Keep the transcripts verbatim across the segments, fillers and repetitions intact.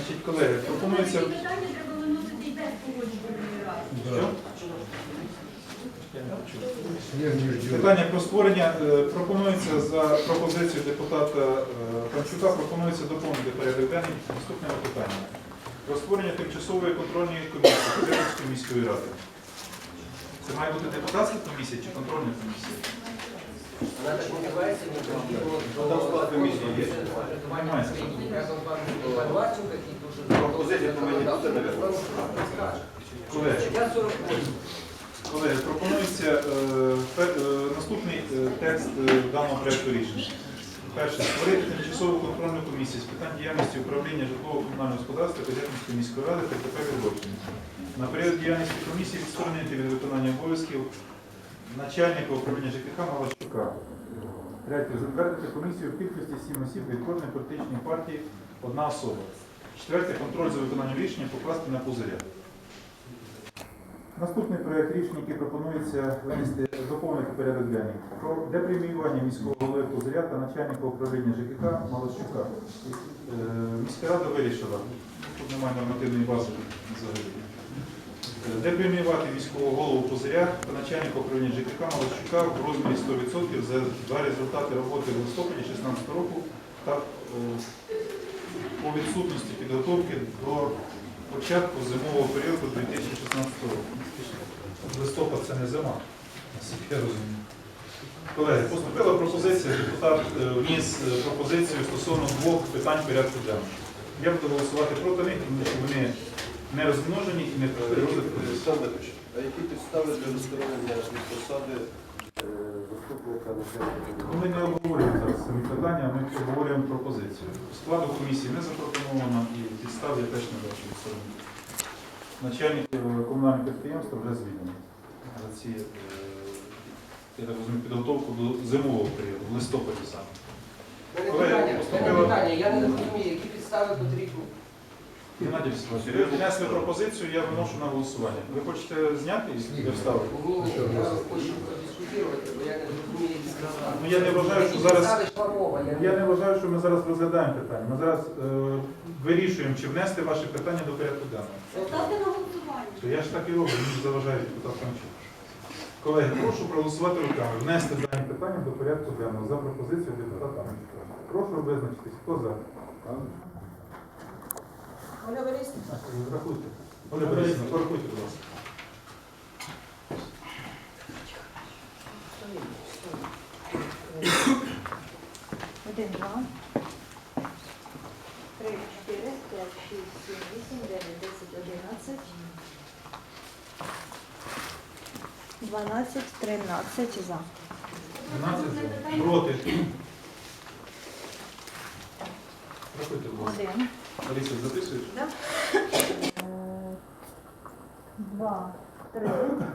Значить, колеги, пропонується... Питання треба виносити і без погоджувальної ради. Питання про створення е, пропонується за пропозицією депутата е, Панчука, пропонується доповнити порядок денний наступними питаннями. Про створення тимчасової контрольної комісії Козятинської міської ради. Це має бути депутатська комісія чи контрольна комісія? Вона так називається, не Там склад комісії є. Пропозиція повинні бути, мабуть. Колеги, колеги, пропонується е, пер, е, наступний е, текст е, даного проєкту рішення. Перше. Створити тимчасову контрольну комісію з питань діяльності управління житлово-комунального господарства Козятинської міської ради та КП Відродження. На період діяльності комісії відсторонити від виконання обов'язків начальника управління ЖКХ Малащука. Третє. Затвердити комісію в кількості сім осіб від кожної політичної партії одна особа. Четверте. Контроль за виконанням рішення покласти на Пузиря. Наступний проєкт рішення, який пропонується винести доповнити порядок денний. Про депреміювання міського голови Пузиря та начальника управління ЖКХ Малащука. Е, Міська рада вирішила, тут немає нормативної бази взагалі, депреміювати міського голову Пузиря та начальника управління ЖКХ Малащука в розмірі сто відсотків за два результати роботи в листопаді дві тисячі шістнадцятого року та е, по відсутності підготовки до початку зимового періоду дві тисячі шістнадцятого року. Листопад це не зима, наскільки я розумію. Колеги, поступила пропозиція, депутат вніс пропозицію стосовно двох питань порядку денного. Я буду голосувати проти них, тому що вони не розмножені і не розгляд. А які підстави для відсторонення від посади заступника начальника? Ми не обговорюємо зараз самі питання, ми обговорюємо пропозицію. Складу комісії не запропоновано і підстав я теж не бачу відсторонення. Начальник комунального підприємства вже звільнений за ці, я так розумію, підготовку до зимового періоду, в листопаді саме. Питання, питання, я не розумію, які підстави потрібні. Геннадій Васильович, ви внесли пропозицію, я виношу на голосування. Ви хочете зняти і вставити? Ні, ні, я хочу подискутувати, бо я не розумію, які підстави. Ну я не вважаю, що Які зараз... підстави Шварова, я не- Я не вважаю, що ми зараз розглядаємо питання. Ми зараз е, вирішуємо, чи внести ваше питання до порядку денного. Ставте на голосування. То я ж так і роблю, мені заважає депутат Панчук. Колеги, прошу проголосувати руками, внести дані питання до порядку денного за пропозицією депутата Панчука. Прошу визначитись, хто за? Оля Борисівна. Рахуйте. Оля Борисівна, порахуйте, будь ласка. Один, два, три, чотири, п'ять, шість, сім, вісім, дев'ять, десять, одинадцять, дванадцять, тринадцять за. дванадцять за. Проти. Рахуйте, будь ласка. Один, Аліса, записуєш? е, два, три,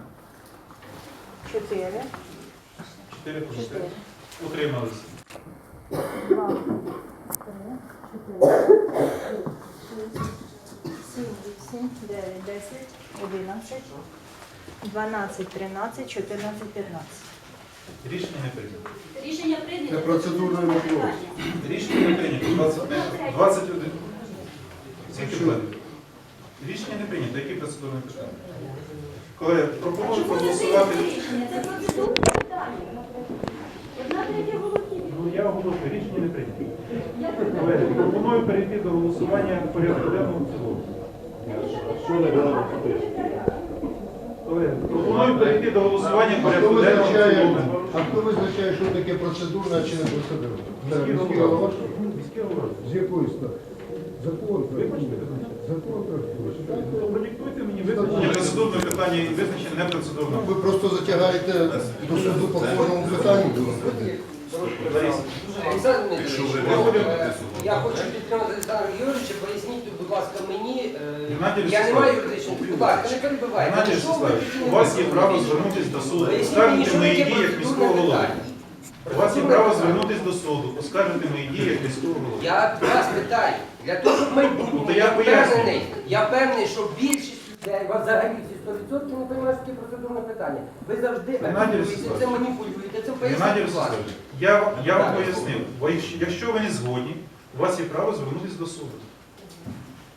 чотири, Чотири проти. чотири, Утрималися. два, три, чотири, шість, сім, вісім, дев'ять, десять, одинадцять, дванадцять, тринадцять, чотирнадцять, п'ятнадцять. Рішення не прийнято. Рішення прийнято. Це процедурне можливо. Рішення не прийнято. двадцять, двадцять один. Скільки питань? Рішення не прийнято. Які процедурні питання? Колеги, пропоную проголосувати. Рішення, це процедурне питання. Одна третя голосів. Ну, я оголошую, рішення не прийнято. Я Колеги, пропоную перейти до голосування порядку денного в цілому. Що не дало? Колеги, пропоную перейти до голосування А хто порядку денного в визначає, цілому. а хто визначає, що таке процедурна чи не процедурна? Міський Міський голова. голова? Міський голова. З якої стати? Закон. Вибачте, Закон. продиктуйте мені визначення процедурного питання і визначення непроцедурного. Ви просто затягаєте до суду по кожному питанню. Лариса. Олександр Дмитрович, е, я хочу підтримати Олександра Георгійовича, поясніть, будь ласка, мені, е, Геннадій я не Ростиславович. маю юридичного, будь ласка, не перебивайте. Геннадій Ну, що ви Ростиславович, такі у вас є не право розумієте? звернутися до суду, Поясніть мені, оскаржити що мої таке дії як міського процедурне голови. питання. У вас є право звернутися до суду, оскаржити мої дії як міського голови. Я вас питаю, для того, щоб майбутнє, Ну, то я я пояснюю. впевнений, я впевнений, що більшість людей, вас взагалі всі сто відсотків не розуміють, що таке процедурне питання. Ви завжди Геннадій апелюєте, Ростиславович. це маніпулюєте, це Геннадій поясніть, будь ласка. Ростиславович, я, я вам пояснив, бо якщо- якщо ви не згодні, у вас є право звернутися до суду.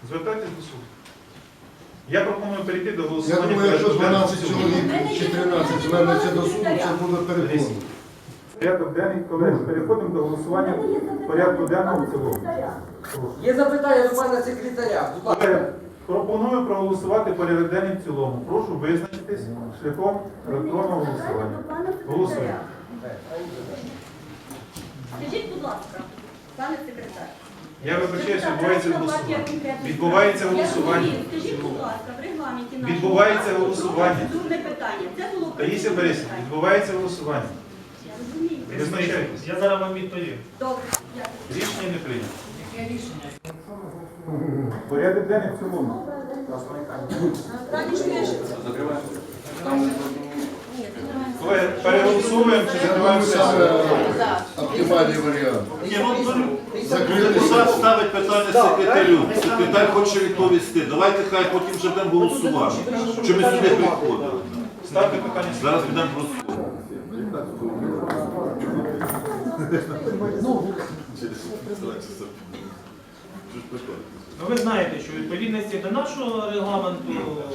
Звертайтесь до суду. Я пропоную перейти до Я голосування. думаю, якщо порядку денного дванадцять в цілому. чоловік чи тринадцять звернеться до суду, це буде переконано. Порядок денний, колеги, переходимо до голосування порядку денного в цілому. Прошу. Є запитання до пана секретаря. Будь ласка. Колеги, пропоную проголосувати порядок денний в цілому. Прошу визначитись шляхом електронного голосування. Голосуємо. Скажіть, будь ласка, пане секретар. Я вибачаюся, відбувається голосування. Відбувається голосування. Скажіть, будь ласка, в регламенті нашого Відбувається залу голосування. процедурне питання. Це було Таїсія процедурне Борисівна, питання. відбувається голосування. Я розумію. Визначайтесь. Я зараз вам відповім. Добре, дякую. Рішення не прийнято. Порядок денний в цілому. Колеги, переголосуємо чи Я закриваємо думаю, сесію? саме оптимальний варіант. Ні, ну, Закрити депутат сесію. ставить питання секретарю. Секретар хоче відповісти. Давайте хай потім вже будемо голосувати. Що ми сюди приходили. Ставте питання. Зараз підемо голосувати. Ну, ви знаєте, що у відповідності до нашого регламенту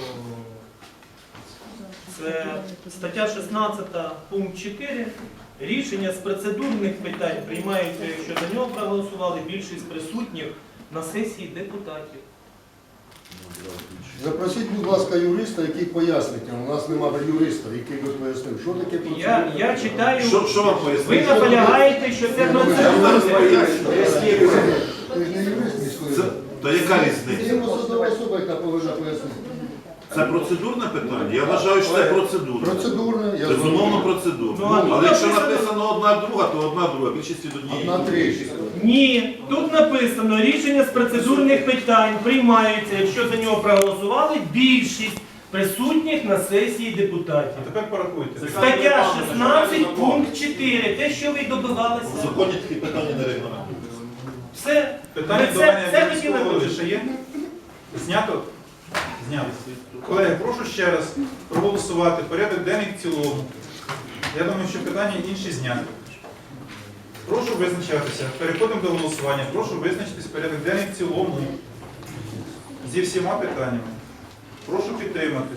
це стаття шістнадцята, пункт чотири. Рішення з процедурних питань приймаються, якщо за нього проголосували більшість присутніх на сесії депутатів. Запросіть, будь ласка, юриста, який пояснить. У нас немає юриста, який би пояснив, що таке Я, процедура. я читаю, Що, що вам ви пояснити? наполягаєте, що це Я зараз процедурне. поясню. Ти ж не юрист міської Це, ради. то яка Це різниця? є посадова особа, яка повинна пояснити. Це процедурне питання? Я вважаю, що це процедурне. Процедурне, я Безумовно процедурне. Ну, а тут Але якщо написано- написано одна друга, то одна друга. Більшість від однієї. Одна три. Ні, тут написано, рішення з процедурних питань приймаються, якщо за нього проголосували більшість присутніх на сесії А депутатів. тепер порахуйте. Стаття шістнадцять, пункт чотири. Те, що ви В добивалися. законі такі питання не регламентуються. Все. Питання Ви до це, мене це від хотіли міського голови почути. ще є? Знято? Знято. Колеги, прошу ще раз проголосувати порядок денний в цілому. Я думаю, що питання інші зняті. Прошу визначатися. Переходимо до голосування. Прошу визначитись порядок денний в цілому. Зі всіма питаннями. Прошу підтримати.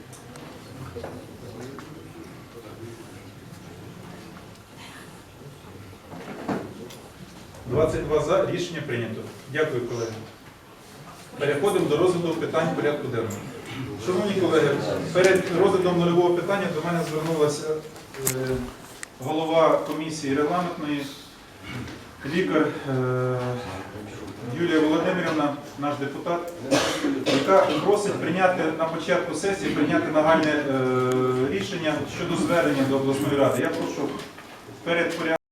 двадцять два за. Рішення прийнято. Дякую, колеги. Переходимо до розгляду питань порядку денного. Шановні колеги, перед розглядом нульового питання до мене звернулася е, голова комісії регламентної, лікар е, Юлія Володимирівна, наш депутат, яка просить прийняти на початку сесії прийняти нагальне е, рішення щодо звернення до обласної ради. Я прошу перед порядком